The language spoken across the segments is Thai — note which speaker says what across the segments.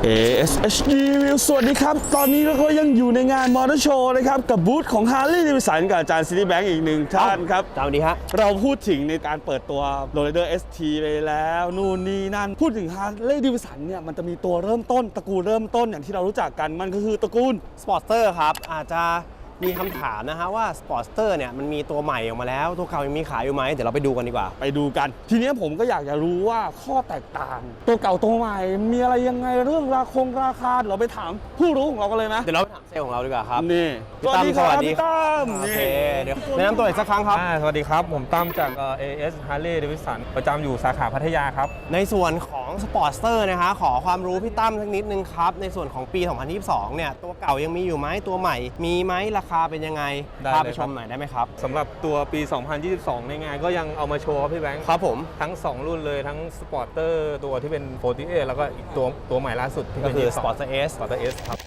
Speaker 1: ASHD สวัสดีครับตอนนี้เราก็ยังอยู่ในงานมอเตอร์โชว์นะครับกับบูธของ Harley Davidson กับอาจารย์ซิตี้แบงค์อีกหนึ่งท่านครับ
Speaker 2: สวัสดีฮะ
Speaker 1: เราพูดถึงในการเปิดตัว Lowrider ST ไปแล้วนู่นนี่นั่นพูดถึง Harley Davidson เนี่ยมันจะมีตัวเริ่มต้นตระกูลเริ่มต้นอย่างที่เรารู้จักกันมันก็คือตระกูล
Speaker 2: สปอร์ตเตอร์ครับอาจจะมีคำถามนะฮะว่าสปอร์ตเตอร์เนี่ยมันมีตัวใหม่ออกมาแล้วตัวเก่ายังมีขายอยู่ไหมเดี๋ยวเราไปดูกันดีกว่า
Speaker 1: ไปดูกันทีนี้ผมก็อยากจะรู้ว่าข้อแตกต่างตัวเก่าตัวใหม่มีอะไรยังไงเรื่องราคาเราไปถามผู้รู้ของเรากันเลยนะ
Speaker 2: เดี๋ยวเราไปถามเซลล์ของเราดีกว่าครับ
Speaker 1: นี่
Speaker 2: พี่ตั้มสวัสดี
Speaker 1: พี่ตั้ม
Speaker 2: โอเคเดี๋ยวแนะนำตัวอีกสักครั้งครับ
Speaker 3: สวัสดีครับผมตั้มจากAS Harley Davidson ประจำอยู่สาขาพัทยาครับ
Speaker 2: ในส่วนของสปอร์ตเตอร์นะคะขอความรู้พี่ตั้มสักนิดนึงครับในส่วนของปี 2022 เนี่ยตัวเก่ายังมีอยู่ไหมตัวใหม่มีไหมราคาเป็นยังไงพาไปชมหน่อยได้ไหมครับ
Speaker 3: สำหรับตัวปี 2022 ในงานก็ยังเอามาโชว์ครับพี่แบงค์
Speaker 2: ครับผม
Speaker 3: ทั้ง 2 รุ่นเลยทั้ง Sporter ตัวที่เป็น48แล้วก็อีกตัวใหม่ล่าสุดที่
Speaker 2: ก็
Speaker 3: เป็น
Speaker 2: คือ
Speaker 3: 22
Speaker 2: Sporter S
Speaker 3: Sporter S ครับ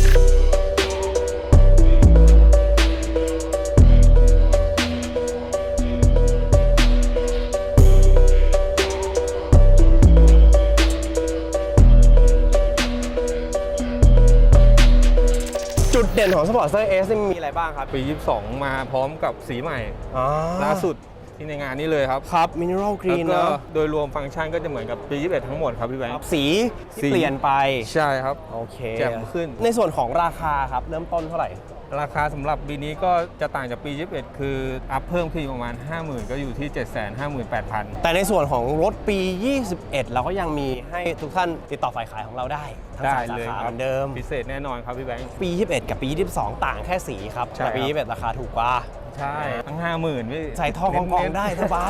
Speaker 2: จุดเด่นของ Sporter S นี่มีอะไรบ้างครับ
Speaker 3: ปี 22 มาพร้อมกับสีใหม่ล่าสุดที่ในงานนี้เลยครับ
Speaker 2: ครับ Mineral Green
Speaker 3: แล้วก็
Speaker 2: เนาะ
Speaker 3: โดยรวมฟังก์ชันก็จะเหมือนกับปี 21 ทั้งหมดครับพี่แบงค์
Speaker 2: สีที่เปลี่ยนไป
Speaker 3: ใช่ครับ
Speaker 2: โอเค
Speaker 3: แจ่มขึ้น
Speaker 2: ในส่วนของราคาครับเริ่มต้นเท่าไหร่
Speaker 3: ราคาสำหรับปีนี้ก็จะต่างจากปี 21 คืออัพเพิ่มขึ้นประมาณ 50,000 ก็อยู่ที่ 758,000
Speaker 2: แต่ในส่วนของรถปี 21 เราก็ยังมีให้ทุกท่านติดต่อฝ่ายขายของเราได้ทั้งสามสาขาเหมือนเดิม
Speaker 3: พิเศษแน่นอนครับพี่แบงค์
Speaker 2: ปี 21 กับปี 22 ต่างแค่สีครับแต่ปี 21 ราคาถูกกว่า
Speaker 3: ใช่ทั้ง 50,000พี่
Speaker 2: ใส่ท่อกองได้สบาย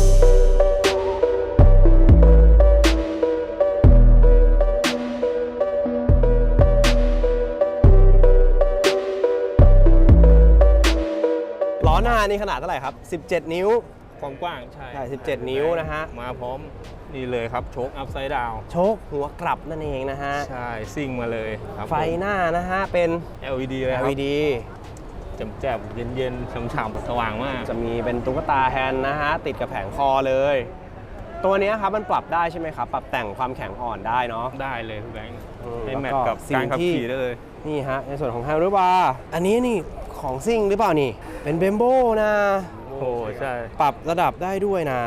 Speaker 2: ล้อหน้านี่ขนาดเท่าไหร่ครับ17 นิ้ว
Speaker 3: ความกว้างใช่
Speaker 2: 17 นิ้วนะฮะ
Speaker 3: มาพร้อมนี่เลยครับโชคอัพไซด์ดาว
Speaker 2: โชคหัวกลับนั่นเองนะฮะ
Speaker 3: ใช่ซิ่งมาเลยครับ
Speaker 2: ไฟหน้านะฮะเป็น
Speaker 3: LED เลยครับ
Speaker 2: LED
Speaker 3: แจ่มๆเย็นๆฉ่ำๆสว่างมาก
Speaker 2: จะมีเป็นตุ๊กตาแฮนด์นะฮะติดกับแผงคอเลยตัวนี้ครับมันปรับได้ใช่ไหมครับปรับแต่งความแข็งอ่อนได้เนาะ
Speaker 3: ได้เลยพี่แบงค์ให้แมทกับการขับขี่ได้เลย
Speaker 2: นี่ฮะในส่วนของแฮนด์บาร์อันนี้นี่ของซิ่งหรือเปล่านี่เป็นเบมโบนะ
Speaker 3: โอ้ใช่
Speaker 2: ปรับระดับได้ด้วยนะ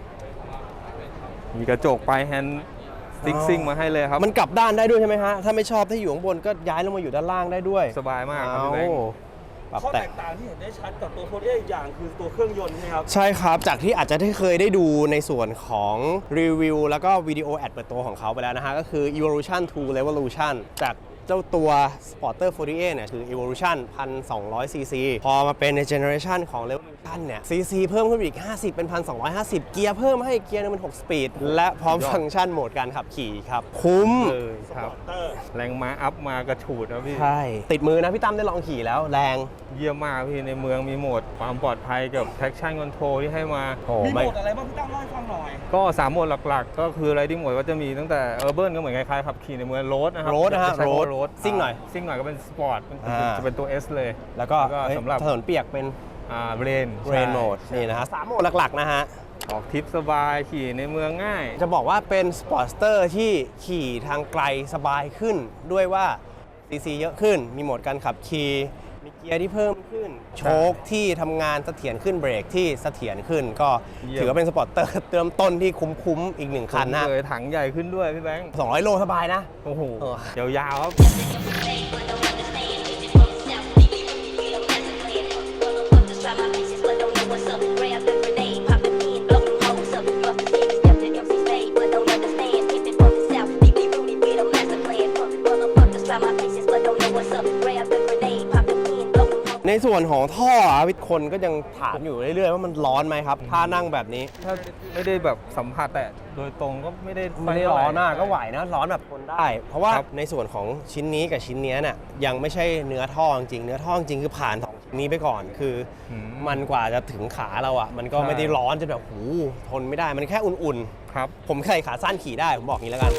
Speaker 3: มีกระจกปลายแฮนด์ซิ่งมาให้เลยครับ
Speaker 2: มันกลับด้านได้ด้วยใช่ไหมฮะถ้าไม่ชอบถ้าอยู่ข้างบนก็ย้ายลงมาอยู่ด้านล่างได้ด้วย
Speaker 3: สบายมากครับพี่แบงค์
Speaker 1: ข้อแตกต่างที่เห็นได้ชัดกับตัวโคดเออีกอย่างคือตัวเครื่องยนต์ใช่ไหมครับ
Speaker 2: ใช่ครับจากที่อาจจะได้เคยได้ดูในส่วนของรีวิวแล้วก็วิดีโอแอดเปิดตัวของเขาไปแล้วนะฮะก็คือ Evolution to Revolution จากเจ้าตัว Sporter 48 เนี่ยคือ Evolution 1,200 cc พอมาเป็นใน Generation ของ Revolution เนี่ย cc เพิ่มขึ้นอีก50เป็น 1,250 เกียร์เพิ่มให้เกียร์นึงเป็น6สปีดและพร้อมฟังก์ชันโหมดการขับขี่ครับคุ้ม
Speaker 3: ครับแรงม้าอัพมากระฉูดนะพี่
Speaker 2: ใช่ติดมือนะพี่ตั้มได้ลองขี่แล้วแรง
Speaker 3: เยี่ยมมากพี่ในเมืองมีโหมดความปลอดภัยกับ traction control ที่ให้มา
Speaker 1: มีโหมดอะไรบ้างพี่ตั้มเล่าให้ฟังหน่อย
Speaker 3: ก็3โหมดหลักๆก็คือ riding mode ก็จะมีตั้งแต่ urban ก็เหมือนคล้ายๆขับขี่ในเมือง road นะครับ
Speaker 2: road นะฮะ road ซิ่งหน่อย
Speaker 3: ก็เป็น sport จะเป็นตัว S เลย
Speaker 2: แล้วก็
Speaker 3: สำหรับ
Speaker 2: ถนนเปียกเป็น
Speaker 3: rain
Speaker 2: mode นี่นะฮะ3โหมดหลักๆนะฮะ
Speaker 3: ออกทริปสบายขี่ในเมืองง่าย
Speaker 2: จะบอกว่าเป็นสปอร์ตสเตอร์ที่ขี่ทางไกลสบายขึ้นด้วยว่า cc เยอะขึ้นมีโหมดการขับขี่มีเกียร์ที่เพิ่มขึ้นโชคที่ทำงานเสถียรขึ้นเบรกที่เสถียรขึ้นก็ถือว่าเป็นสปอร์ตเตอร์เติมต้นที่คุ้มอีก1คันนะ
Speaker 3: เลยถังใหญ่ขึ้นด้วยพี่แบงค์
Speaker 2: 200 โลสบายนะ
Speaker 3: โอ้โหยาวๆครับ
Speaker 2: ในส่วนของท่อวิทย์คนก็ยังถามอยู่เรื่อยๆว่ามันร้อนไหมครับถ้านั่งแบบนี้
Speaker 3: ถ้าไม่ได้แบบสัมผัสแต่โดยตรงก็ไม่ได้
Speaker 2: ร้อนมากก็ไหวนะร้อนแบบทนได้เพราะว่าในส่วนของชิ้นนี้กับชิ้นนี้เนี่ยยังไม่ใช่เนื้อท่อจริงเนื้อท่อจริงคือผ่าน2ชิ้นนี้ไปก่อนคือมันกว่าจะถึงขาเราอ่ะมันก็ไม่ได้ร้อนจนแบบหูทนไม่ได้มันแค่อุ่น
Speaker 3: ๆครับ
Speaker 2: ผมใส่ขาสั้นขี่ได้ผมบอกงี้แล้วกัน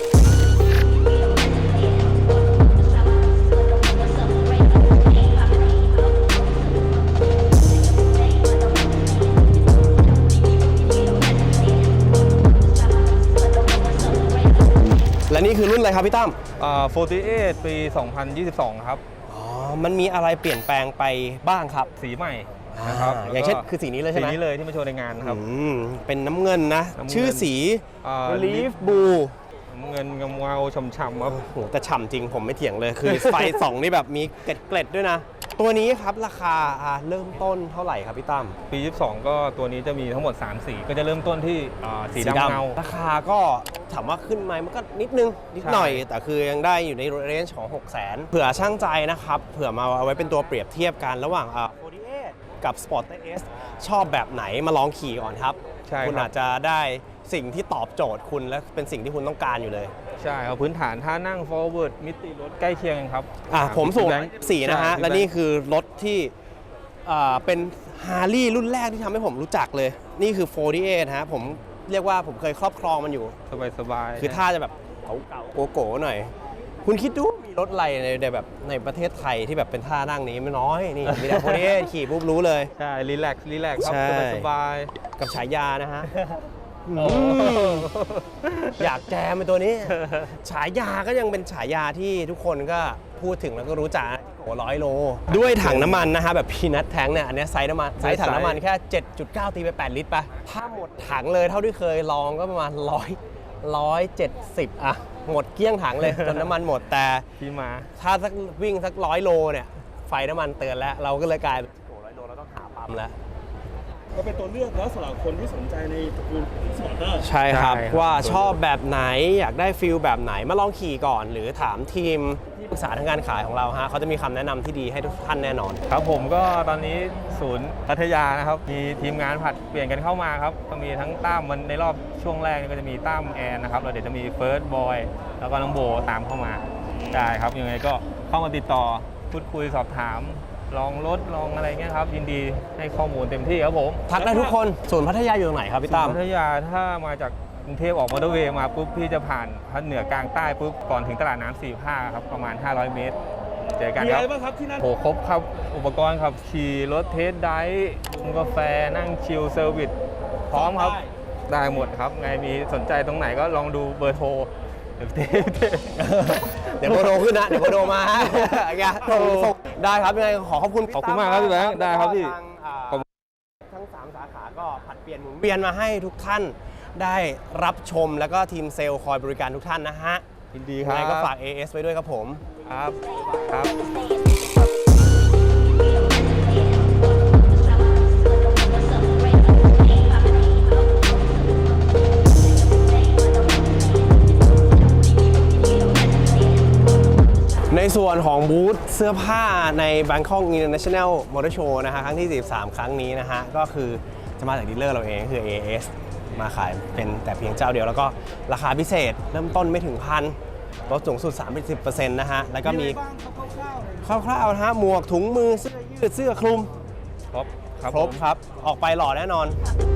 Speaker 2: และนี่คือคือรุ่นอะไรครับพี่ตั้ม
Speaker 3: 48 ปี 2022 ครับ
Speaker 2: อ๋อ มันมีอะไรเปลี่ยนแปลงไปบ้างครับ
Speaker 3: สีใหม่นะครับ
Speaker 2: อย่างเช่นคือสีนี้เลยใช่
Speaker 3: สี
Speaker 2: ไหม
Speaker 3: นี้เลยที่มาโชว์ในงานครับ
Speaker 2: เป็นน้ำเงินนะ
Speaker 3: น้ำเงิน
Speaker 2: ชื่อสี Leaf Blue
Speaker 3: เงินเงาๆช่ำๆครับ
Speaker 2: โอ้โหแต่ฉ่ำจริงผมไม่เถียงเลย คือ ไฟส่องนี่แบบมีเกล็ดๆด้วยนะ ตัวนี้ครับราคาเริ่มต้นเท่าไหร่ครับพี่ตั้ม
Speaker 3: ปี 22 ก็ตัวนี้จะมีทั้งหมด 3 สี ก็จะเริ่มต้นที่สีดำเงา
Speaker 2: ราคาก็ถามว่าขึ้นไหมมันก็นิดนึง นิดหน่อย แต่คือยังได้อยู่ในเรนจ์ของ 600,000 เผื่อช่างใจนะครับ เผื่อมาเอาไว้เป็นตัวเปรียบเทียบกันระหว่าง48 กับ Sporter S ชอบแบบไหนมาลองขี่ก่อนครับ
Speaker 3: ใช่ครับ
Speaker 2: คุณอาจจะได้สิ่งที่ตอบโจทย์คุณและเป็นสิ่งที่คุณต้องการอยู่เลย
Speaker 3: ใช่ครับพื้นฐานท่านั่ง forward มิติรถใกล้เคียงกันครับ
Speaker 2: ผมสูง
Speaker 3: แบงค์
Speaker 2: 4นะฮะ
Speaker 3: ใช่
Speaker 2: และนี่คือรถที่เป็นฮาร์ลีรุ่นแรกที่ทำให้ผมรู้จักเลย นี่คือ 48 ฮะ ผมเรียกว่าผมเคยครอบครองมันอยู่
Speaker 3: สบายๆ
Speaker 2: คือท่าจะแบบเก่าๆโกๆหน่อย คุณคิดดูมีรถอะไรในแบบในประเทศไทยที่แบบเป็นท่านั่งนี้ไม่น้อย นี่มีแต่48 ขี่ปุ๊บรู้เลย
Speaker 3: ใช่รีแลกซ์ครับ
Speaker 2: ใช่
Speaker 3: สบาย
Speaker 2: กับฉายานะฮะ
Speaker 3: ๆโอ้
Speaker 2: อยากแจมเป็นตัวนี้ ฉายาก็ยังเป็นฉายาที่ทุกคนก็พูดถึงแล้วก็รู้จักโอ้100 โล ด้วยถังน้ำมันนะฮะแบบพีนัทแทงเนี่ยอันเนี้ยไซส์น้ำมันไซส์ถังน้ำมันแค่ 7.9 ตีไป 8 ลิตรไปถ้าหมดถังเลยเท่าที่เคยลองก็ประมาณ170อะหมดเกลี้ยงถังเลย จนน้ำมันหมดแต่
Speaker 3: ที่มา
Speaker 2: ถ้าสักวิ่งสัก100 โลเนี่ยไฟน้ำมันเตือนแล้วเราก็เลยกลายเป็นโอ้100 โลเราต้องหาปั๊มแล้ว
Speaker 1: ก็เป็นตัวเลือกแล้วสำหรับคนที่สนใจในตระกูลสปอร์เตอร์
Speaker 2: ใช่ครับ
Speaker 3: ใช่ครับ
Speaker 2: ว่าชอบแบบไหนอยากได้ฟิลแบบไหนมาลองขี่ก่อน หรือถามทีมที่ปรึกษาทางการขายของเราฮะเขาจะมีคำแนะนำที่ดีให้ทุกท่านแน่นอน
Speaker 3: ครับผมก็ตอนนี้ศูนย์พัทยานะครับ มีทีมงานผัดเปลี่ยนกันเข้ามาครับ ก็มีทั้งตั้มมันในรอบช่วงแรกนี่ก็จะมีตั้มแอนนะครับแล้วเดี๋ยวจะมีเฟิร์สบอยแล้วก็น้องโบตามเข้ามาได้ครับยังไงก็เข้ามาติดต่อพูดคุยสอบถาม ลองรถลองอะไรเงี้ยครับยินดีให้ข้อมูลเต็มที่ครับผม
Speaker 2: ทักได้ทุกคนศูนย์พัทยาอยู่ตรงไหนครับพี่ตั้ม
Speaker 3: พัทยาถ้ามาจากกรุงเทพออกมอเตอร์เวย์มาปุ๊บพี่จะผ่านภาคเหนือกลางใต้ปุ๊บก่อนถึงตลาดน้ำสี่ภาคครับประมาณ 500 เมตร เจอกัน
Speaker 1: มี
Speaker 3: ค
Speaker 1: อะ
Speaker 3: รับ
Speaker 1: ไรบ้างครับที่นั่น
Speaker 3: โหครบครับ อุปกรณ์ครับขี่รถเทสไดฟ์กินกาแฟนั่งชิลเซอร์วิสพร้อมครับ ได้หมดครับ ไงมีสนใจตรงไหนก็ลองดูเบอร์โทรเดี๋ยว
Speaker 2: เดี๋ยวโบโดขึ้นนะ เดี๋ยวโบโดมาฮะอย่าส่งได้ครับยังไงขอขอบคุณพี่
Speaker 3: ขอบคุณมากครับพี่แบงค์ได้ครับพี่
Speaker 2: ทางทั้ง 3 สาขาก็ผัดเปลี่ยนหมุนเวียนมาให้ทุกท่านได้รับชมแล้วก็ทีมเซลล์คอยบริการทุกท่านนะฮะ
Speaker 3: ยินดีค
Speaker 2: ยัง
Speaker 3: รับ
Speaker 2: ไงก็ฝาก AS ไว้ด้วยครับผม
Speaker 3: ครับครับ
Speaker 2: ในส่วนของบูธเสื้อผ้าใน Bangkok International Motor Show นะฮะครั้งที่ 43 ครั้งนี้นะฮะก็คือจะมาจากดีลเลอร์เราเองคือ AS มาขายเป็นแต่เพียงเจ้าเดียวแล้วก็ราคาพิเศษเริ่มต้นไม่ถึงพันลดสูงสุด 30% นะฮะแล้วก็มี
Speaker 1: บ้างครับคร่าวๆเลย
Speaker 2: คร่าวๆนะฮะหมวกถุงมือเสื้อยืดเสื้อคลุม
Speaker 3: ครบครับ
Speaker 2: ครบ
Speaker 3: ผม
Speaker 2: ครับ ออกไปหล่อแน่นอน
Speaker 4: Papa